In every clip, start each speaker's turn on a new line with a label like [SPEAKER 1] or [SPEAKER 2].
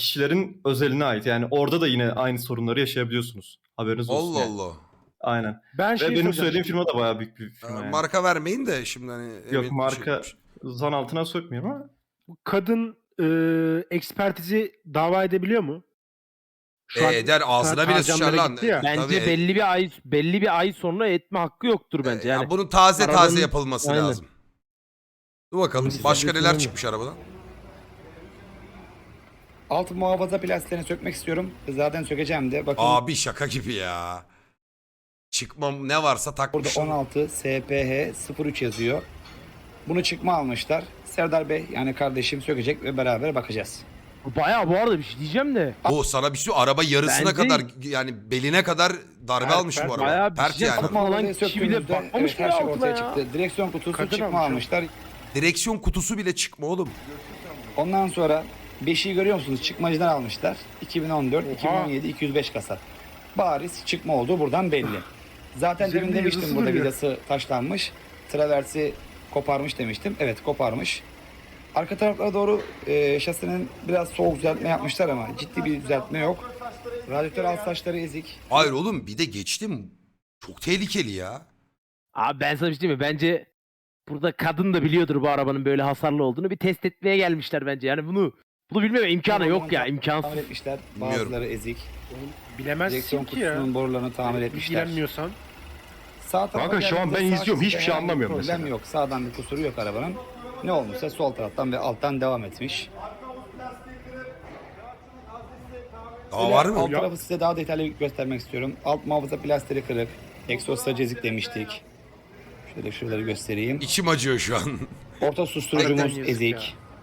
[SPEAKER 1] kişilerin özeline ait. Yani orada da yine aynı sorunları yaşayabiliyorsunuz. Haberiniz olsun
[SPEAKER 2] Allah
[SPEAKER 1] yani.
[SPEAKER 2] Allah.
[SPEAKER 1] Aynen.
[SPEAKER 3] Ben
[SPEAKER 1] Ve
[SPEAKER 3] şey
[SPEAKER 1] benim
[SPEAKER 3] soracağım.
[SPEAKER 1] söylediğim firma da bayağı büyük bir firma yani.
[SPEAKER 2] Marka vermeyin de şimdi hani
[SPEAKER 1] Yok,
[SPEAKER 2] emin şey.
[SPEAKER 1] marka zan altına sokmuyorum ama
[SPEAKER 3] Kadın ekspertizi dava edebiliyor mu? Şu an
[SPEAKER 2] Eder ağzına bile sıçar
[SPEAKER 3] harcamlara
[SPEAKER 2] lan.
[SPEAKER 3] gitti ya.
[SPEAKER 4] Bence
[SPEAKER 2] Tabii.
[SPEAKER 4] belli bir ay sonra etme hakkı yoktur bence. Yani
[SPEAKER 2] Ya bunun taze
[SPEAKER 4] arabanın-
[SPEAKER 2] yapılması
[SPEAKER 4] Aynen.
[SPEAKER 2] lazım. Dur bakalım
[SPEAKER 4] Bunun
[SPEAKER 2] başka
[SPEAKER 4] sistemde
[SPEAKER 2] neler
[SPEAKER 4] sorun
[SPEAKER 2] çıkmış arabadan.
[SPEAKER 5] Alt muhafaza plastiklerini sökmek istiyorum. Zaten sökeceğim de. Bakın
[SPEAKER 2] Abi şaka gibi ya. Çıkmam ne varsa
[SPEAKER 5] burada
[SPEAKER 2] takmışlar.
[SPEAKER 5] 16 SPH 03 yazıyor. Bunu çıkma almışlar. Serdar Bey yani kardeşim sökecek ve beraber bakacağız.
[SPEAKER 4] Bayağı bu arada bir şey diyeceğim de.
[SPEAKER 2] O sana bir şey araba yarısına
[SPEAKER 4] Bence-
[SPEAKER 2] kadar yani beline kadar darbe almış bu araba.
[SPEAKER 4] bayağı bir
[SPEAKER 2] Pert
[SPEAKER 4] şey
[SPEAKER 2] yani.
[SPEAKER 4] yapma. Alan
[SPEAKER 5] Muhafazayı
[SPEAKER 4] kişi bile
[SPEAKER 5] söktüğümüzde,
[SPEAKER 4] bakmamış
[SPEAKER 5] evet, her
[SPEAKER 4] bile
[SPEAKER 5] şey
[SPEAKER 4] altına
[SPEAKER 5] ortaya
[SPEAKER 4] ya.
[SPEAKER 5] çıktı. Direksiyon kutusu
[SPEAKER 3] Kaçın
[SPEAKER 5] çıkma
[SPEAKER 3] almış ya?
[SPEAKER 5] almışlar.
[SPEAKER 2] Direksiyon kutusu bile çıkma oğlum.
[SPEAKER 5] Ondan sonra 5'i görüyor musunuz? Çıkmacıdan almışlar. 2014,
[SPEAKER 3] Oha.
[SPEAKER 5] 2017, 205 kasa. Bariz çıkma olduğu buradan belli. Zaten demin
[SPEAKER 3] Üzerinde
[SPEAKER 5] demiştim
[SPEAKER 3] yazısı
[SPEAKER 5] burada
[SPEAKER 3] duruyor.
[SPEAKER 5] vidası taşlanmış. Traversi koparmış demiştim. Evet koparmış. Arka taraflara doğru şasinin biraz soğuk düzeltme yapmışlar ama ciddi bir düzeltme yok. Radyatör alt taşları ezik.
[SPEAKER 2] Hayır oğlum bir de geçtim. Çok tehlikeli ya.
[SPEAKER 4] Abi ben sana bir şey diyeyim mi? Bence burada kadın da biliyordur bu arabanın böyle hasarlı olduğunu. Bir test etmeye gelmişler bence. Yani bunu bilmeme imkanı yok ya. imkansız.
[SPEAKER 5] Tamir etmişler.
[SPEAKER 2] Bilmiyorum.
[SPEAKER 5] Bazıları ezik.
[SPEAKER 3] Bilemezsin
[SPEAKER 5] Direksiyon
[SPEAKER 3] ki ya.
[SPEAKER 5] kutusunun borularını tamir etmişler.
[SPEAKER 3] İlgilenmiyorsan.
[SPEAKER 5] Sağ tarafa
[SPEAKER 1] Kanka, şu an ben
[SPEAKER 5] geldiğimizde sağ
[SPEAKER 1] izliyorum, hiçbir
[SPEAKER 5] şeritte
[SPEAKER 1] şey
[SPEAKER 5] herhangi bir
[SPEAKER 1] anlamıyorum
[SPEAKER 5] problem
[SPEAKER 1] mesela.
[SPEAKER 5] yok. Sağdan bir kusuru yok arabanın. Ne olmuşsa sol taraftan ve alttan devam etmiş.
[SPEAKER 2] Daha var mı?
[SPEAKER 5] Alt tarafı size daha detaylı göstermek istiyorum. Alt muhafaza plastiri kırık. Egzoz sacı ezik demiştik. Şöyle şuraları göstereyim.
[SPEAKER 2] İçim acıyor şu an.
[SPEAKER 5] Orta susturucumuz
[SPEAKER 3] Harbiden yazık
[SPEAKER 5] ezik.
[SPEAKER 3] ya.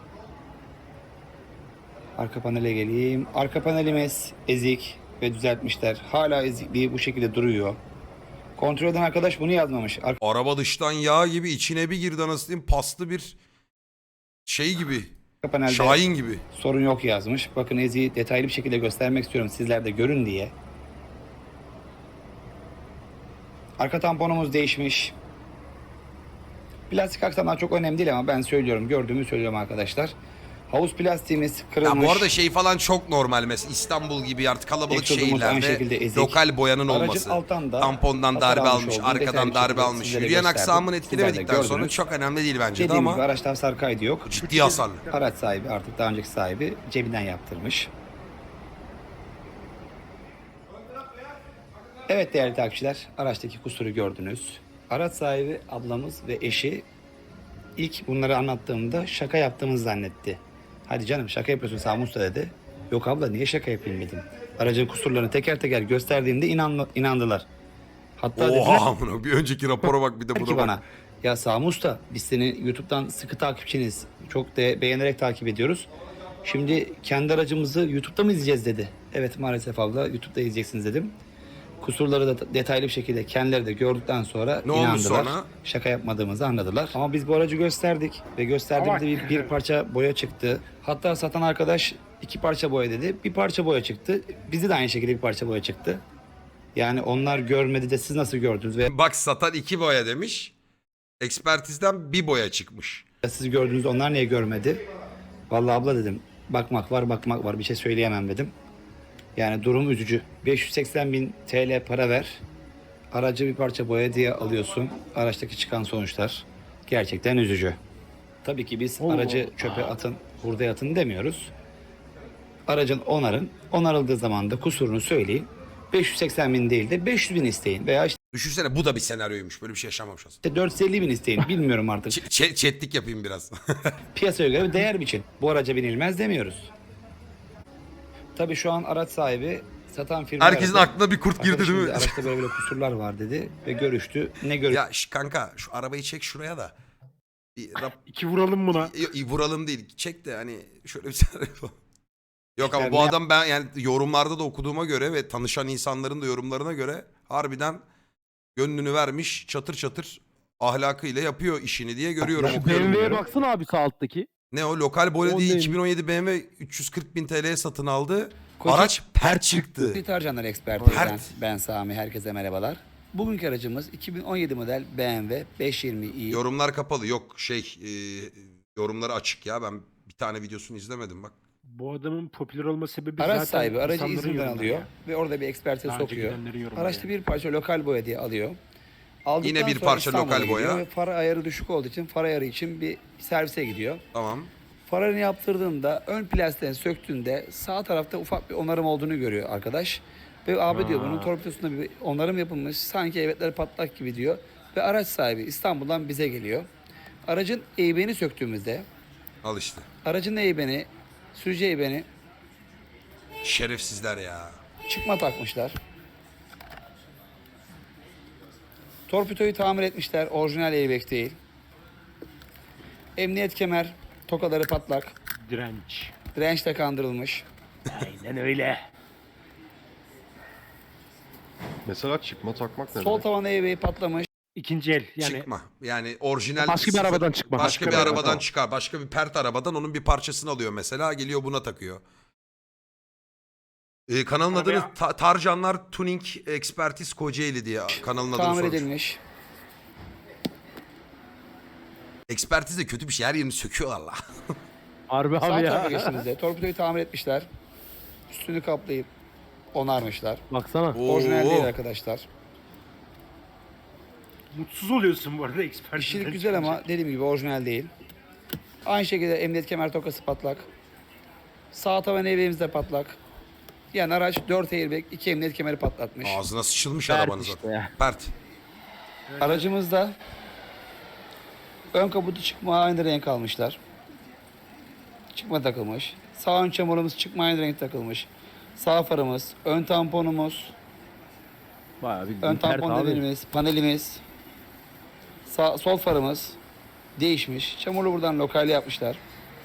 [SPEAKER 5] Arka panele geleyim. Arka panelimiz ezik ve düzeltmişler. Hala ezikliği bu şekilde duruyor. Kontrol eden arkadaş bunu yazmamış.
[SPEAKER 2] Araba dıştan yağ gibi içine bir girdi anasını diyeyim. Paslı bir şey gibi.
[SPEAKER 5] Arka panelde
[SPEAKER 2] Şahin gibi.
[SPEAKER 5] sorun yok yazmış. Bakın eziği detaylı bir şekilde göstermek istiyorum sizler de görün diye. Arka tamponumuz değişmiş. Plastik aksamlar çok önemli değil ama ben söylüyorum. Gördüğümü söylüyorum arkadaşlar. Havuz plastiğimiz kırılmış.
[SPEAKER 2] Ya bu arada şey falan çok normal mesela İstanbul gibi artık kalabalık
[SPEAKER 5] Egzozumuz aynı şekilde
[SPEAKER 2] şehirlerde
[SPEAKER 5] ezik.
[SPEAKER 2] lokal boyanın
[SPEAKER 5] Aracın
[SPEAKER 2] olması.
[SPEAKER 5] alttan da
[SPEAKER 2] Tampondan
[SPEAKER 5] hasar
[SPEAKER 2] darbe
[SPEAKER 5] almış
[SPEAKER 2] almış,
[SPEAKER 5] olduğunu detaylı
[SPEAKER 2] arkadan
[SPEAKER 5] bir
[SPEAKER 2] darbe
[SPEAKER 5] şekilde
[SPEAKER 2] almış.
[SPEAKER 5] sizlere
[SPEAKER 2] Yürüyen
[SPEAKER 5] gösterdim.
[SPEAKER 2] aksamını
[SPEAKER 5] Sizler de
[SPEAKER 2] etkilemedikten sonra
[SPEAKER 5] gördünüz.
[SPEAKER 2] çok önemli değil bence de
[SPEAKER 5] Dediğim gibi
[SPEAKER 2] ama
[SPEAKER 5] araçta hasar kaydı yok.
[SPEAKER 2] ciddi hasarlı.
[SPEAKER 5] Araç sahibi artık daha önceki sahibi cebinden yaptırmış. Evet değerli takipçiler, araçtaki kusuru gördünüz. Araç sahibi ablamız ve eşi ilk bunları anlattığımda şaka yaptığımızı zannetti. Hadi canım şaka yapıyorsun Sami Usta dedi. Yok abla niye şaka yapayım dedim. Aracın kusurlarını teker teker gösterdiğimde inandılar. Hatta dediler
[SPEAKER 2] Oha amına bir önceki rapora bak bir de
[SPEAKER 5] ki
[SPEAKER 2] buna
[SPEAKER 5] bana
[SPEAKER 2] bak.
[SPEAKER 5] ya Sami Usta biz seni YouTube'dan sıkı takipçiniz. Çok da beğenerek takip ediyoruz. Şimdi kendi aracımızı YouTube'da mı izleyeceğiz dedi. Evet maalesef abla YouTube'da izleyeceksiniz dedim. Kusurları da detaylı bir şekilde kendileri de gördükten sonra
[SPEAKER 2] Ne olmuş
[SPEAKER 5] inandılar.
[SPEAKER 2] sonra?
[SPEAKER 5] Şaka yapmadığımızı anladılar. Ama biz bu aracı gösterdik ve gösterdiğimde
[SPEAKER 3] Ama-
[SPEAKER 5] bir parça boya çıktı. Hatta satan arkadaş 2 parça boya dedi. Bir parça boya çıktı. Bizi de aynı şekilde bir parça boya çıktı. Yani onlar görmedi de siz nasıl gördünüz veya
[SPEAKER 2] Bak satan 2 boya demiş. Ekspertizden bir boya çıkmış.
[SPEAKER 5] siz gördünüz onlar niye görmedi? Vallahi abla dedim bakmak var bir şey söyleyemem dedim. Yani durum üzücü. 580.000 TL para ver. Aracı bir parça boya diye alıyorsun. Araçtaki çıkan sonuçlar gerçekten üzücü. Tabii ki biz aracı çöpe atın, hurdaya atın demiyoruz. Aracın onarın. Onarıldığı zaman da kusurunu söyleyin. 580.000 değil de 500.000 isteyin. Veya
[SPEAKER 2] Düşünsene bu da bir senaryoymuş. Böyle bir şey yaşamamış aslında.
[SPEAKER 5] işte 450.000 isteyin. Bilmiyorum artık.
[SPEAKER 2] Chatlik yapayım biraz.
[SPEAKER 5] Piyasaya göre bir değer biçin. Bu araca binilmez demiyoruz. Tabii şu an araç sahibi satan firma
[SPEAKER 2] Herkesin aklına bir kurt girdi
[SPEAKER 5] Arkadaşım
[SPEAKER 2] değil mi?
[SPEAKER 5] dedi, araçta böyle böyle kusurlar var dedi ve görüştü. Ne görüştü?
[SPEAKER 2] Ya kanka şu arabayı çek şuraya da. Bir
[SPEAKER 3] İki vuralım buna.
[SPEAKER 2] vuralım değil. Çek de hani şöyle bir senaryo. Yok ama
[SPEAKER 5] Yani
[SPEAKER 2] bu
[SPEAKER 5] ne-
[SPEAKER 2] adam ben yani yorumlarda da okuduğuma göre ve tanışan insanların da yorumlarına göre harbiden gönlünü vermiş çatır çatır ahlakıyla yapıyor işini diye görüyorum.
[SPEAKER 4] Şu
[SPEAKER 2] okuyorum
[SPEAKER 4] BMW'ye
[SPEAKER 2] diyorum.
[SPEAKER 4] baksana abi sağ alttaki.
[SPEAKER 2] Ne o lokal boya
[SPEAKER 4] O
[SPEAKER 2] diye
[SPEAKER 4] neymiş?
[SPEAKER 2] 2017 BMW 340.000 TL'ye satın aldı.
[SPEAKER 5] Koca-
[SPEAKER 2] Araç pert çıktı.
[SPEAKER 5] Deterjanlar ekspertizden.
[SPEAKER 2] Pert.
[SPEAKER 5] Ben Sami, herkese merhabalar. Bugünkü aracımız 2017 model BMW 520i.
[SPEAKER 2] Yorumlar kapalı yok yorumları açık ya ben bir tane videosunu izlemedim bak.
[SPEAKER 3] Bu adamın popüler olma sebebi
[SPEAKER 5] Araç
[SPEAKER 3] zaten
[SPEAKER 5] sahibi aracı
[SPEAKER 3] insanların
[SPEAKER 5] İzmir'den
[SPEAKER 3] yorumları
[SPEAKER 5] alıyor
[SPEAKER 3] ya.
[SPEAKER 5] ve orada bir ekspertize
[SPEAKER 3] Daha önce
[SPEAKER 5] sokuyor.
[SPEAKER 3] gidenlerin yorumları
[SPEAKER 5] Araçta
[SPEAKER 3] yani.
[SPEAKER 5] bir parça lokal boya diye alıyor. Aldıktan
[SPEAKER 2] Yine bir
[SPEAKER 5] sonra
[SPEAKER 2] parça
[SPEAKER 5] İstanbul'a
[SPEAKER 2] lokal
[SPEAKER 5] gidiyor
[SPEAKER 2] boya.
[SPEAKER 5] ve far ayarı düşük olduğu için far ayarı için bir servise gidiyor.
[SPEAKER 2] Tamam.
[SPEAKER 5] Farını yaptırdığında ön plastiğini söktüğünde sağ tarafta ufak bir onarım olduğunu görüyor arkadaş. Ve abi diyor bunun torpidosunda bir onarım yapılmış. Sanki evetler patlak gibi diyor. Ve araç sahibi İstanbul'dan bize geliyor. Aracın eybeni söktüğümüzde
[SPEAKER 2] Al işte.
[SPEAKER 5] aracın eybeni, sürücü eybeni
[SPEAKER 2] Şerefsizler ya.
[SPEAKER 5] çıkma takmışlar. Torpidoyu tamir etmişler. Orijinal airbag değil. Emniyet kemer, tokaları patlak.
[SPEAKER 3] Direnç.
[SPEAKER 5] Dirençle kandırılmış.
[SPEAKER 4] Aynen öyle.
[SPEAKER 1] Mesela çıkma takmak ne
[SPEAKER 5] Sol
[SPEAKER 1] demek?
[SPEAKER 5] tavan airbag'i patlamış.
[SPEAKER 3] İkinci el. Yani
[SPEAKER 2] Çıkma. Yani orijinal
[SPEAKER 4] Başka bir
[SPEAKER 2] sıfır-
[SPEAKER 4] arabadan çıkma.
[SPEAKER 2] Başka bir
[SPEAKER 1] Başka bir
[SPEAKER 2] arabadan
[SPEAKER 1] arabadan.
[SPEAKER 2] çıkar. Başka bir pert arabadan onun bir parçasını alıyor mesela. Geliyor buna takıyor. Kanalın
[SPEAKER 3] Arabaya-
[SPEAKER 2] adını Tarcanlar Tuning Expertise Kocaeli diye kanalın adını
[SPEAKER 5] Tamir
[SPEAKER 2] sormuş.
[SPEAKER 5] edilmiş.
[SPEAKER 2] Ekspertiz de kötü bir şey. Her yerini söküyorlar la.
[SPEAKER 4] Harbi
[SPEAKER 5] Sağ
[SPEAKER 4] abi
[SPEAKER 5] tarafa
[SPEAKER 4] ya.
[SPEAKER 5] geçtiğimizde torpidoyu tamir etmişler. Üstünü kaplayıp onarmışlar.
[SPEAKER 4] Baksana.
[SPEAKER 5] Orijinal değil arkadaşlar.
[SPEAKER 3] mutsuz oluyorsun bu arada ekspertizden
[SPEAKER 5] İşçilik güzel
[SPEAKER 3] çıkınca.
[SPEAKER 5] ama dediğim gibi orijinal değil. Aynı şekilde emniyet kemer tokası patlak. Sağ tavan airbag'imiz de patlak. Yani araç 4 airbag, 2 emniyet kemeri patlatmış.
[SPEAKER 2] Ağzına sıçılmış
[SPEAKER 4] Pert
[SPEAKER 2] arabanın
[SPEAKER 4] işte
[SPEAKER 2] zaten.
[SPEAKER 4] ya.
[SPEAKER 2] Pert.
[SPEAKER 5] Aracımızda ön kaputu çıkma aynı renk almışlar. Çıkma takılmış. Sağ ön çamurumuz çıkma aynı renk takılmış. Sağ farımız, ön tamponumuz,
[SPEAKER 4] Bayağı bildiğin
[SPEAKER 5] ön
[SPEAKER 4] pert
[SPEAKER 5] tampon
[SPEAKER 4] abi.
[SPEAKER 5] demirimiz, panelimiz, sol farımız değişmiş. Çamurlu buradan lokal yapmışlar.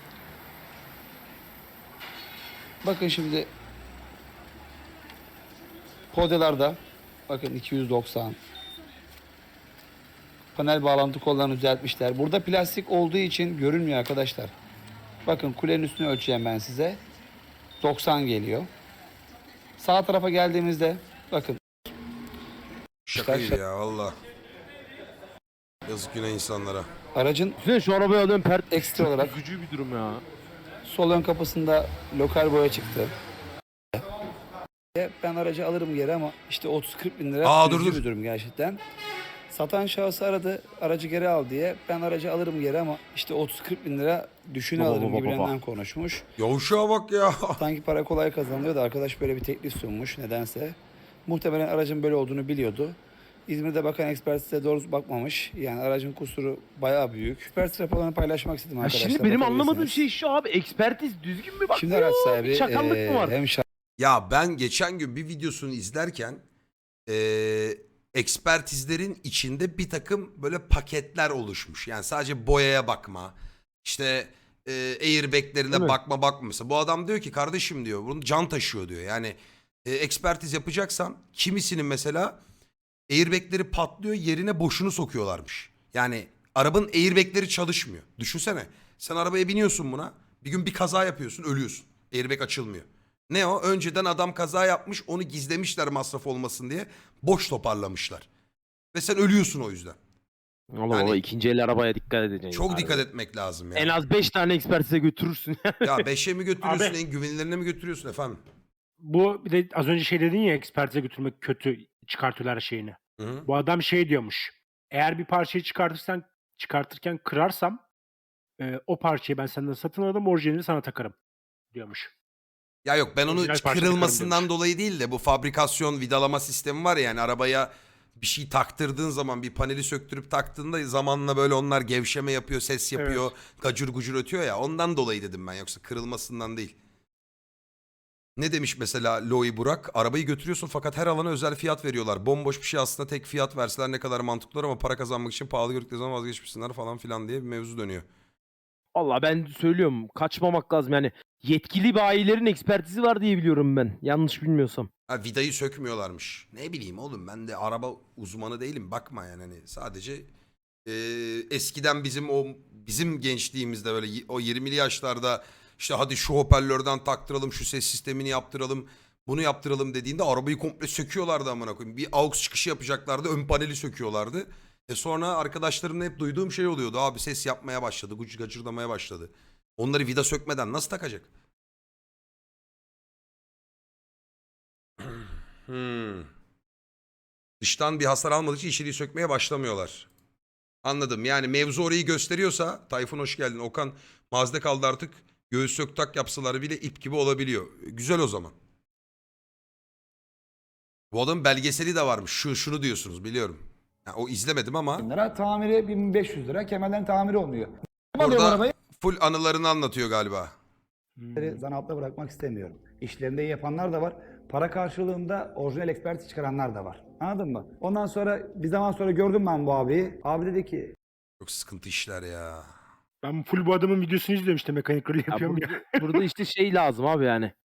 [SPEAKER 5] Bakın şimdi podyalarda bakın 290. Panel bağlantı kollarını düzeltmişler. Burada plastik olduğu için görünmüyor arkadaşlar. Bakın kulenin üstünü ölçeceğim ben size. 90 geliyor. Sağ tarafa geldiğimizde bakın
[SPEAKER 2] Şakaydı ya valla. Yazık günah insanlara.
[SPEAKER 5] aracın
[SPEAKER 4] Düşünsene şu arabayı alıyorum pert.
[SPEAKER 5] ekstra olarak
[SPEAKER 4] Üzücü bir durum ya.
[SPEAKER 5] sol ön kapısında lokal boya çıktı. Ben aracı alırım geri ama işte 30-40 bin lira
[SPEAKER 2] Aa, dur,
[SPEAKER 5] üzücü
[SPEAKER 2] dur.
[SPEAKER 5] bir durum gerçekten. Satan şahıs aradı aracı geri al diye. Ben aracı alırım geri ama işte 30-40 bin lira düşüne
[SPEAKER 4] Baba,
[SPEAKER 5] alırım
[SPEAKER 4] baba,
[SPEAKER 5] gibilerinden konuşmuş.
[SPEAKER 2] Yavuşağa bak ya.
[SPEAKER 5] Sanki para kolay kazanılıyor da arkadaş böyle bir teklif sunmuş nedense. Muhtemelen aracın böyle olduğunu biliyordu. İzmir'de bakan ekspertize doğru bakmamış. Yani aracın kusuru bayağı büyük. Ekspertiz raporlarını paylaşmak istedim
[SPEAKER 4] Ya
[SPEAKER 5] arkadaşlar.
[SPEAKER 4] şimdi benim anlamadığım
[SPEAKER 5] bakabilirsiniz.
[SPEAKER 4] şey şu abi. Ekspertiz düzgün mü bakıyor?
[SPEAKER 5] Şimdi araç sahibi
[SPEAKER 4] Bir çakallık mı var?
[SPEAKER 5] hem
[SPEAKER 2] Ya ben geçen gün bir videosunu izlerken ekspertizlerin içinde bir takım böyle paketler oluşmuş. Yani sadece boyaya bakma, işte airbag'lerine
[SPEAKER 4] Değil mi?
[SPEAKER 2] bakma. Mesela bu adam diyor ki kardeşim diyor bunu can taşıyor diyor. Yani ekspertiz yapacaksan kimisinin mesela airbag'leri patlıyor yerine boşunu sokuyorlarmış. Yani arabanın airbag'leri çalışmıyor. Düşünsene sen arabaya biniyorsun buna bir gün bir kaza yapıyorsun ölüyorsun. Airbag açılmıyor. Ne o? Önceden adam kaza yapmış onu gizlemişler masraf olmasın diye. Boş toparlamışlar. Ve sen ölüyorsun o yüzden.
[SPEAKER 4] Allah
[SPEAKER 2] Yani-
[SPEAKER 4] Allah ikinci el arabaya dikkat edeceksin.
[SPEAKER 2] Çok
[SPEAKER 4] Harbi.
[SPEAKER 2] dikkat etmek lazım ya.
[SPEAKER 4] En az 5 tane ekspertize götürürsün.
[SPEAKER 2] Ya 5'e mi götürüyorsun
[SPEAKER 3] Abi-
[SPEAKER 2] en güvenilirine mi götürüyorsun efendim?
[SPEAKER 3] Bu bir de az önce şey dedin ya ekspertize götürmek kötü çıkartıyorlar şeyini.
[SPEAKER 2] Hı-hı.
[SPEAKER 3] Bu adam şey diyormuş. Eğer bir parçayı çıkartırken kırarsam o parçayı ben senden satın alırım orijinalini sana takarım diyormuş.
[SPEAKER 2] Ya yok ben onu
[SPEAKER 3] Orijinal parça
[SPEAKER 2] kırılmasından
[SPEAKER 3] takarım
[SPEAKER 2] dolayı değil de bu fabrikasyon vidalama sistemi var ya yani arabaya bir şey taktırdığın zaman bir paneli söktürüp taktığında zamanla böyle onlar gevşeme yapıyor, ses yapıyor, gacur gucur ötüyor ya ondan dolayı dedim ben yoksa kırılmasından değil. Ne demiş mesela Loi Burak? Arabayı götürüyorsun fakat her alana özel fiyat veriyorlar. Bomboş bir şey aslında tek fiyat verseler ne kadar mantıklı olur ama para kazanmak için pahalı gördükleri zaman vazgeçmişsinler falan filan diye bir mevzu dönüyor.
[SPEAKER 4] Allah ben söylüyorum kaçmamak lazım yani. Yetkili bayilerin ekspertizi var diye biliyorum ben. Yanlış bilmiyorsam.
[SPEAKER 2] Ha vidayı sökmüyorlarmış. Ne bileyim oğlum ben de araba uzmanı değilim bakma yani hani sadece eskiden bizim gençliğimizde böyle o 20'li yaşlarda işte hadi şu hoparlörden taktıralım şu ses sistemini yaptıralım bunu yaptıralım dediğinde arabayı komple söküyorlardı amına koyayım. Bir aux çıkışı yapacaklardı ön paneli söküyorlardı. Sonra arkadaşlarımla hep duyduğum şey oluyordu abi ses yapmaya başladı gacırdamaya başladı. Onları vida sökmeden nasıl takacak? Dıştan bir hasar almadığı için içeriği sökmeye başlamıyorlar. Anladım. Yani mevzu orayı gösteriyorsa Tayfun hoş geldin. Okan mazde kaldı artık. Göğüs sök tak yapsalar bile ip gibi olabiliyor. Güzel o zaman. Bu adamın belgeseli de varmış. Şunu diyorsunuz biliyorum. Ya, o izlemedim ama
[SPEAKER 5] lira, tamiri 1500 lira, kemerlerin tamiri olmuyor. Alıyorum
[SPEAKER 2] burada
[SPEAKER 5] arabayı,
[SPEAKER 2] full anılarını anlatıyor galiba.
[SPEAKER 5] zanaatla bırakmak istemiyorum. İşlerinde iyi yapanlar da var. Para karşılığında orijinal ekspertiz çıkaranlar da var. Anladın mı? Ondan sonra bir zaman sonra gördüm ben bu abiyi. Abi dedi ki
[SPEAKER 2] Çok sıkıntı işler ya.
[SPEAKER 3] Ben full bu adamın videosunu izliyorum işte mekanik rol
[SPEAKER 4] Ya
[SPEAKER 3] yapıyorum ya.
[SPEAKER 4] burada işte şey lazım abi yani.